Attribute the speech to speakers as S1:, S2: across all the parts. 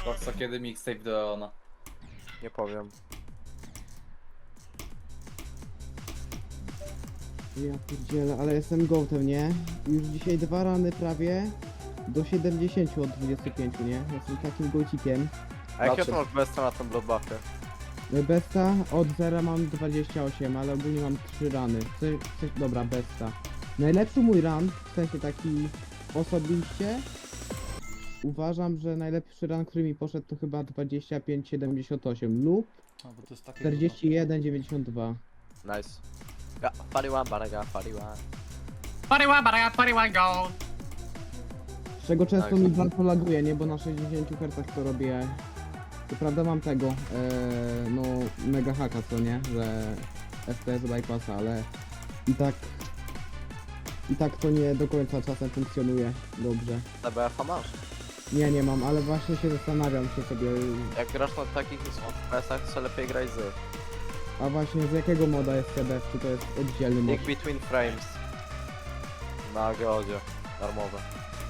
S1: Co kiedy mixtape do Leona?
S2: Nie powiem.
S3: Ja pierdzielę, ale jestem gołtem, nie? Już dzisiaj 2 rany prawie do 70 od 25, nie? Jestem takim gołcikiem.
S2: A jakie
S1: Znaczy-
S2: to masz besta na tym bloodbuffie?
S3: Besta od 0 mam 28, ale ogólnie mam 3 rany. Dobra, besta. Najlepszy mój run, w sensie taki osobiście, uważam, że najlepszy run, który mi poszedł to chyba 25,78 lub
S1: No, bo to jest takie
S3: 41,92.
S2: Nice. Ja, 41, baraga, 41.
S4: Pariwa, go!
S3: Z czego często
S2: Nice.
S3: mi bardzo laguje, nie? Bo na 60 Hz to robię. To prawda mam tego, no mega haka, co nie? Że FPS bypassa, ale i tak to nie do końca czasem funkcjonuje dobrze.
S2: TBF-a masz?
S3: Nie mam, ale właśnie się zastanawiam się sobie,
S2: Jak grasz na takich FPS-ach, to lepiej graj z.
S3: a właśnie z jakiego moda jest CDF, czy to jest oddzielny mod?
S2: Nick Between Frames. Na geodzie. Darmowe.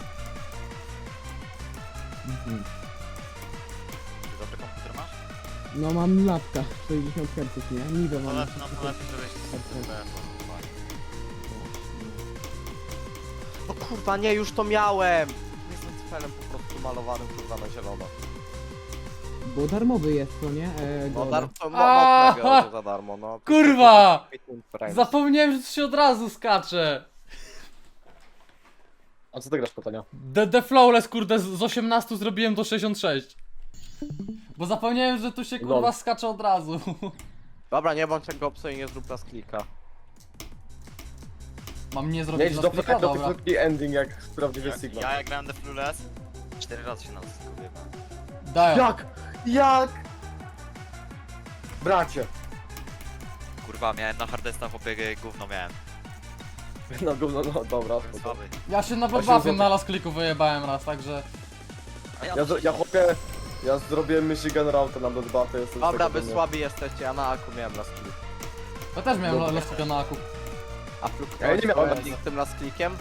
S3: Mhm.
S4: Dobry komputer masz?
S3: No mam lapka, 60 Hz, nie? Niby
S4: No
S3: mam.
S4: lepiej, żebyś z TBF-u.
S2: No kurwa, nie, już to miałem! Jestem cyfelem po prostu malowanym kurwa na zielono.
S3: Bo darmowy jest, co nie?
S2: No
S3: Goda.
S2: to mod na geodzie za darmo, no.
S1: Kurwa!
S2: Between Frames.
S1: Zapomniałem, że to się od razu skacze.
S5: A co ty grasz pytania?
S1: The Flawless, kurde, z 18 zrobiłem do 66. Bo zapomniałem, że tu się kurwa
S5: Lol.
S1: skacze od razu.
S2: Dobra, nie bądź jak gopso i nie zrób nas klika.
S1: Mam nie
S5: Nie
S1: zrobić
S5: idź
S1: na
S5: do
S1: klika, dobra.
S5: krótki ending jak prawdziwy Sigma.
S4: Ja jak grałem The Flawless, 4 razy się na to zgubiłem.
S1: Daję.
S5: Jak? Bracie!
S4: Kurwa, miałem na hardesta chłopie gówno miałem.
S5: No gówno, no dobra. spoko.
S4: Słaby.
S1: Ja się na
S5: 8
S1: bloodbuffie
S5: złotych.
S1: na las kliku wyjebałem raz, także...
S4: A
S5: Ja chłopie, ja zrobiłem Michigan Route na Bloodbathie, jestem
S2: Dobra,
S5: tego
S2: wy
S5: dumny.
S2: słabi jesteście, ja na aku miałem las klik.
S1: Ja też miałem
S5: Dobra.
S1: las klika na aku.
S2: A fluk
S5: Ja nie miałem.
S2: z tym las klikiem?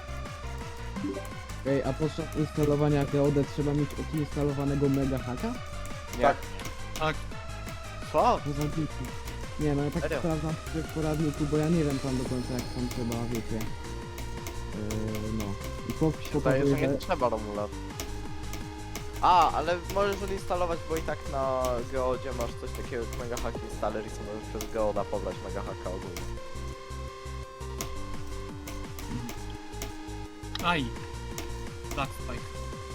S3: Ej, a podczas instalowania Geodę trzeba mieć odinstalowanego mega haka?
S2: Nie.
S5: Tak.
S2: Co?
S3: No zabity. Nie no, ja tak
S2: Serio?
S3: sprawdzam w poradniku, bo ja nie wiem tam do końca jak tam trzeba, wiecie. No. I popis
S2: Wydaje, że
S3: pokazuje,
S2: nie trzeba Romulat. A, ale możesz odinstalować, bo i tak na geodzie masz coś takiego jak Mega Hack Installer i co możesz przez geoda pobrać Mega Hacka ogólnie.
S4: Aj. Black Spike.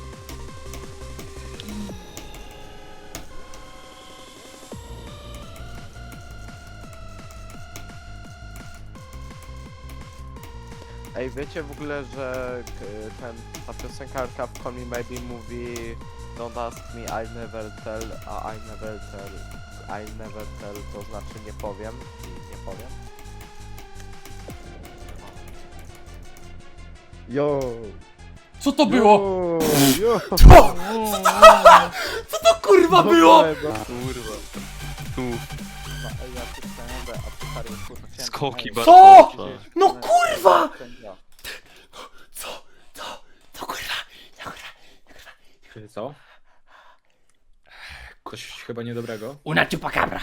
S2: Ej, wiecie w ogóle, że ta piosenkarka w Call Me Maybe mówi Don't ask me, I never tell, a I never tell to znaczy nie powiem i nie powiem.
S5: Yo!
S1: Co to było?
S5: Yo!
S1: Co to kurwa było?
S4: Kurwa. Tu.
S2: Ej, ja tu chcę, a tu stary, kurwa, chciałem...
S4: Skoki
S2: Ej,
S1: Co?
S4: bardzo.
S1: No kurwa!
S2: ja.
S1: Co kurwa?
S5: Co? Coś chyba niedobrego.
S1: Una chupacabra.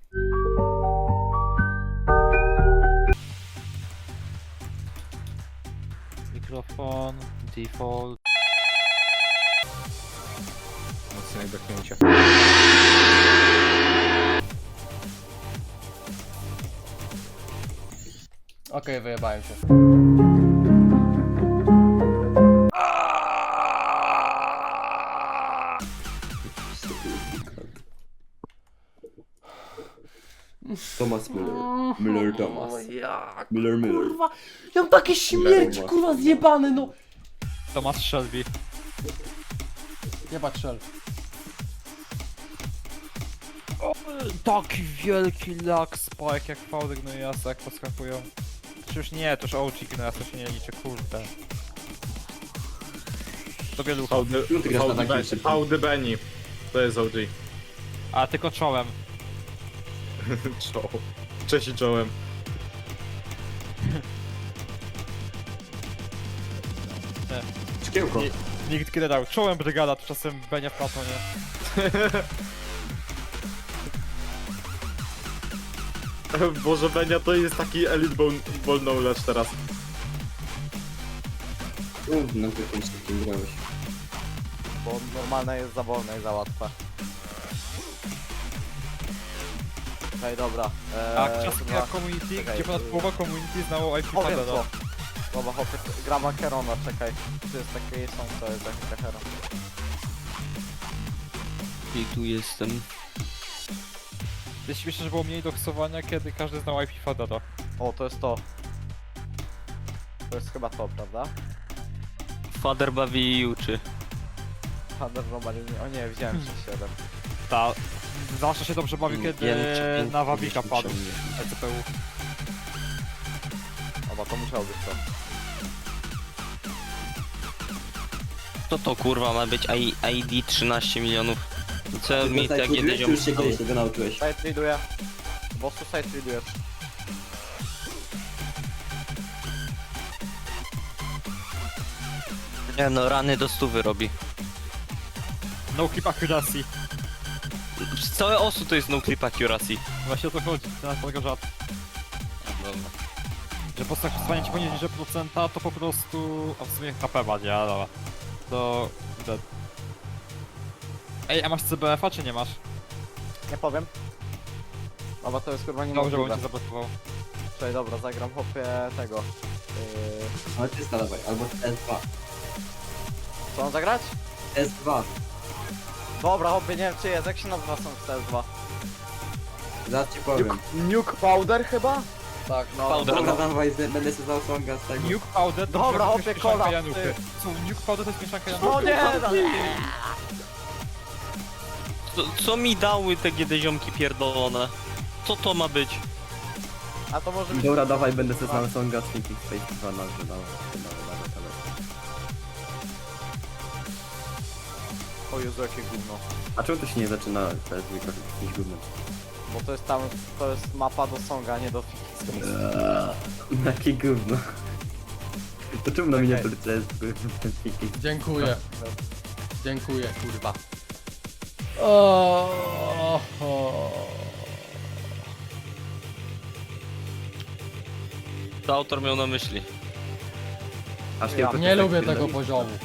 S6: Mikrofon, default.
S5: Mocne odepchnięcie.
S1: Okej, wyjebałem się.
S7: Thomas Miller. Miller Thomas.
S1: Jak?
S7: Miller Miller.
S1: Kurwa, ja mam takie śmierci, kurwa, zjebane, no.
S6: Thomas Shelby.
S1: Jebać szel.
S6: Taki wielki lag spike jak fałdy gnojasa jak podskakują. Czy już nie, to już OG gnojasa się nie liczy, kurde. To wielucha.
S5: Howdy Benny. To jest OG.
S6: A tylko czołem.
S5: Czoł. Cześć i czołem.
S7: Szkiełko.
S6: Nie- Nikt generał. Czołem brygada, tymczasem Benia w Platonie.
S5: Boże, Benia to jest taki elite ball knowledge teraz.
S7: Na jakim takim grałeś.
S2: Bo normalne jest za wolne i za łatwe. Okej, dobra.
S6: A czasem
S2: chyba-
S6: jak community,
S2: czekaj,
S6: gdzie ponad połowa community znało IP
S2: Powiem
S6: Fadera.
S2: co. Dobra, hopie, gram Acherona, czekaj. Tu jest takie są, to jest taki Acheron.
S7: I tu jestem.
S6: Jest śmieszne, że było mniej doksowania, kiedy każdy znał IP Fadera.
S2: O, to jest to. To jest chyba to, prawda?
S7: Fader bawi i uczy.
S2: Thunder Robali, o nie, widziałem 6-7.
S6: Ta. Zawsze się dobrze bawił, kiedy na Wawika padł.
S7: ciągnie.
S6: ECPU.
S2: Oba, to musiało być to.
S7: Co to kurwa ma być ID 13 milionów? Co mi
S8: tak
S7: takie
S8: już się
S7: ziom...
S8: kiedyś tego nauczyłeś.
S2: Side readuję. Bossu side readujesz.
S7: Nie no, rany do 100 robi.
S6: No clip accuracy.
S7: Całe osu to jest no clip accuracy.
S6: Właśnie o to chodzi, to na tego żart.
S7: Dobra.
S6: Że po prostu jak przesłanie ci poniżej procenta, to po prostu... A w sumie HP ma, nie? Dobra. To... dead. Ej, a masz CBF-a czy nie masz?
S2: Nie powiem. Dobra, to jest kurwa nie
S6: Dobrze, bo
S2: możliwe.
S6: cię zablokował.
S2: Czekaj, dobra, zagram hopie tego.
S8: Ale ty dawaj, albo S2.
S2: Co mam zagrać?
S8: S2.
S2: Dobra, hopie, nie wiem czy jest, jak się nazywa są w CS2?
S8: Zaraz ci powiem.
S2: Nuke Powder chyba? Tak, no.
S7: Powder.
S8: Dobra, dawaj, będę sobie dał songa z tego.
S6: Nuke Powder to
S2: Dobra,
S6: jest
S2: hopie,
S6: mieszanka
S2: kola,
S6: Januchy.
S2: ty.
S6: Co, Nuke Powder to jest mieszanka
S2: No
S6: Januchy?
S2: nie!
S7: Co mi dały te GD ziomki pierdolone? Co to ma być?
S2: A to może być...
S8: Dobra, dawaj, będę sobie znał songa z Thinking Space 2 nazwy, dawaj.
S2: O Jezu, jakie gówno.
S8: A czemu to się nie zaczyna teraz jakimś gównem?
S2: Bo to jest tam, to jest mapa do Songa, nie do Fiki.
S8: Jakie gówno. To czemu na miniaturce jest Thinking?
S1: Dziękuję. Dziękuję, kurwa. O.
S7: To autor miał na myśli.
S8: Aż
S2: Ja
S8: to
S1: Nie
S8: tak
S1: lubię
S8: tyle.
S1: tego poziomu.